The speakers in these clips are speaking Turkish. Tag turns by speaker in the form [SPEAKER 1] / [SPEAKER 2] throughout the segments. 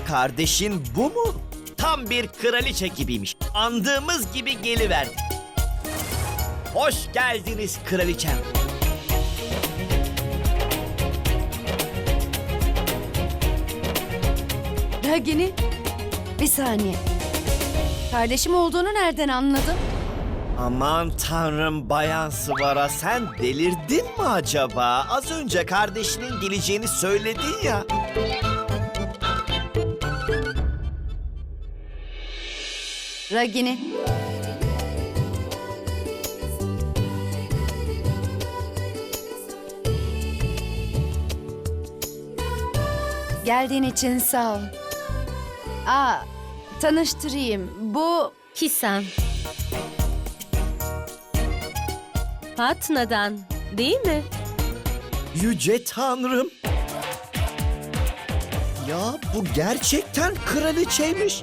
[SPEAKER 1] Kardeşin bu mu? Tam bir kraliçe gibiymiş. Andığımız gibi geliverdi. Hoş geldiniz kraliçem.
[SPEAKER 2] Ragini, bir saniye. Kardeşim olduğunu nereden anladın?
[SPEAKER 1] Aman tanrım Bayan Svara, sen delirdin mi acaba? Az önce kardeşinin geleceğini söyledin ya.
[SPEAKER 2] Ragini. Geldiğin için sağ ol. Tanıştırayım. Bu
[SPEAKER 3] Kisan. Patna'dan, değil mi?
[SPEAKER 1] Yüce Tanrım. Ya bu gerçekten kraliçeymiş.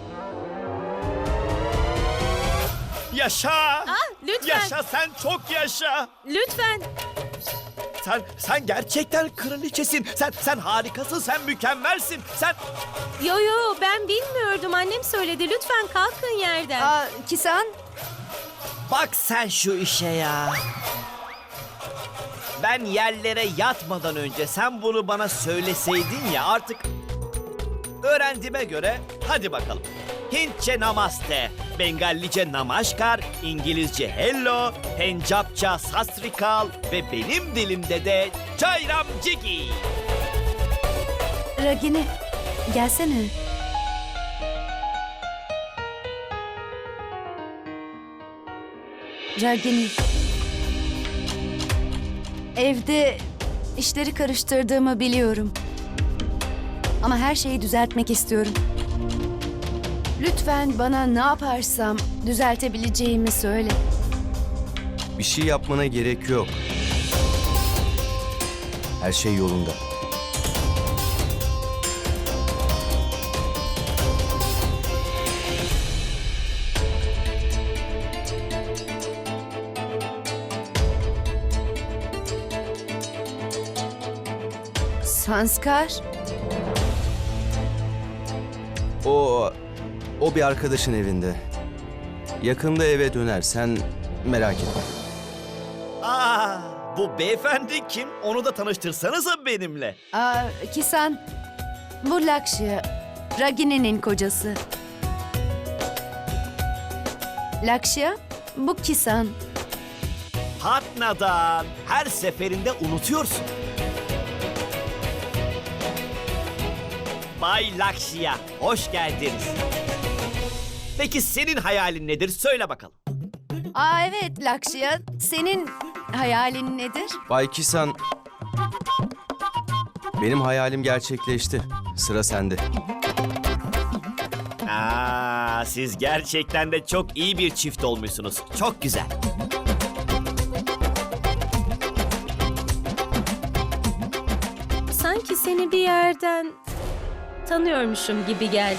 [SPEAKER 1] Yaşa!
[SPEAKER 3] Lütfen,
[SPEAKER 1] Yaşa, sen çok yaşa.
[SPEAKER 3] lütfen.
[SPEAKER 1] Sen gerçekten kraliçesin. Sen harikasın, sen mükemmelsin.
[SPEAKER 3] Yo, ben bilmiyordum. Annem söyledi. Lütfen kalkın yerden.
[SPEAKER 2] Kisan.
[SPEAKER 1] Bak sen şu işe ya. Ben yerlere yatmadan önce sen bunu bana söyleseydin ya, artık öğrendiğime göre hadi bakalım. Hintçe namaste, Bengallice namaskar, İngilizce hello, Pencapça sastrikal ve benim dilimde de çayram cigi.
[SPEAKER 2] Ragini, gelsene. Ragini. Evde işleri karıştırdığımı biliyorum. Ama her şeyi düzeltmek istiyorum. Lütfen bana ne yaparsam düzeltebileceğimi söyle.
[SPEAKER 4] Bir şey yapmana gerek yok. Her şey yolunda.
[SPEAKER 2] Sanskar,
[SPEAKER 4] O bir arkadaşın evinde. Yakında eve döner. Sen merak etme.
[SPEAKER 1] Bu beyefendi kim? Onu da tanıştırsanıza benimle.
[SPEAKER 2] Kisan, bu Lakşya, Ragini'nin kocası. Lakşya, bu Kisan.
[SPEAKER 1] Patna'dan her seferinde unutuyorsun. Bay Lakşya, hoş geldiniz. Peki senin hayalin nedir? Söyle bakalım.
[SPEAKER 2] Evet Lakşya, senin hayalin nedir?
[SPEAKER 4] Bay Kisan, benim hayalim gerçekleşti. Sıra sende.
[SPEAKER 1] Siz gerçekten de çok iyi bir çift olmuşsunuz. Çok güzel.
[SPEAKER 3] Sanki seni bir yerden tanıyormuşum gibi geldi.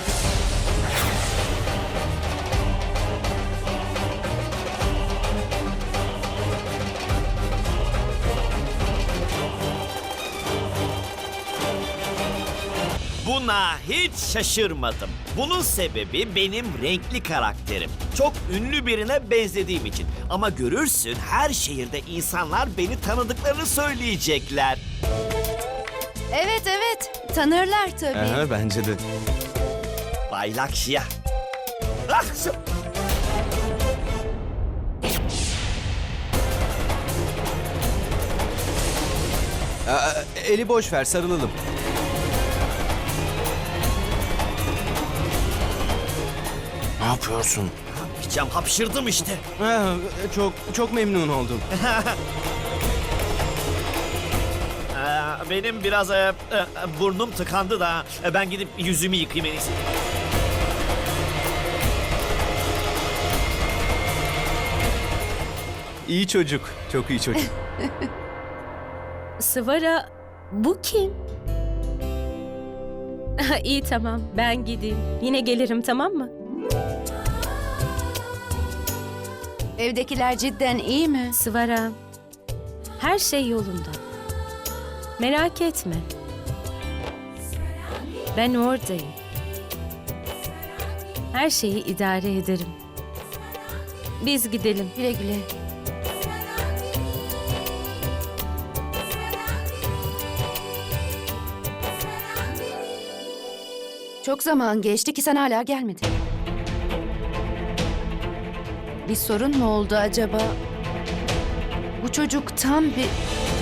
[SPEAKER 1] Buna hiç şaşırmadım. Bunun sebebi benim renkli karakterim. Çok ünlü birine benzediğim için. Ama görürsün, her şehirde insanlar beni tanıdıklarını söyleyecekler.
[SPEAKER 2] Evet, tanırlar tabii.
[SPEAKER 4] Bence de.
[SPEAKER 1] Bay Lakşya.
[SPEAKER 4] Eli boş ver, sarılalım. Ne yapıyorsun?
[SPEAKER 1] Yapacağım, hapşırdım işte.
[SPEAKER 4] Çok memnun oldum.
[SPEAKER 1] Benim biraz burnum tıkandı da ben gidip yüzümü yıkayayım en iyisi.
[SPEAKER 4] İyi çocuk, çok iyi çocuk.
[SPEAKER 3] Svara, bu kim? İyi tamam, ben gideyim. Yine gelirim, tamam mı?
[SPEAKER 2] Evdekiler cidden iyi mi?
[SPEAKER 3] Svara, her şey yolunda. Merak etme. Ben oradayım. Her şeyi idare ederim. Biz gidelim.
[SPEAKER 2] Güle güle. Çok zaman geçti ki sen hala gelmedin. Bir sorun mu oldu acaba? Bu çocuk tam bir...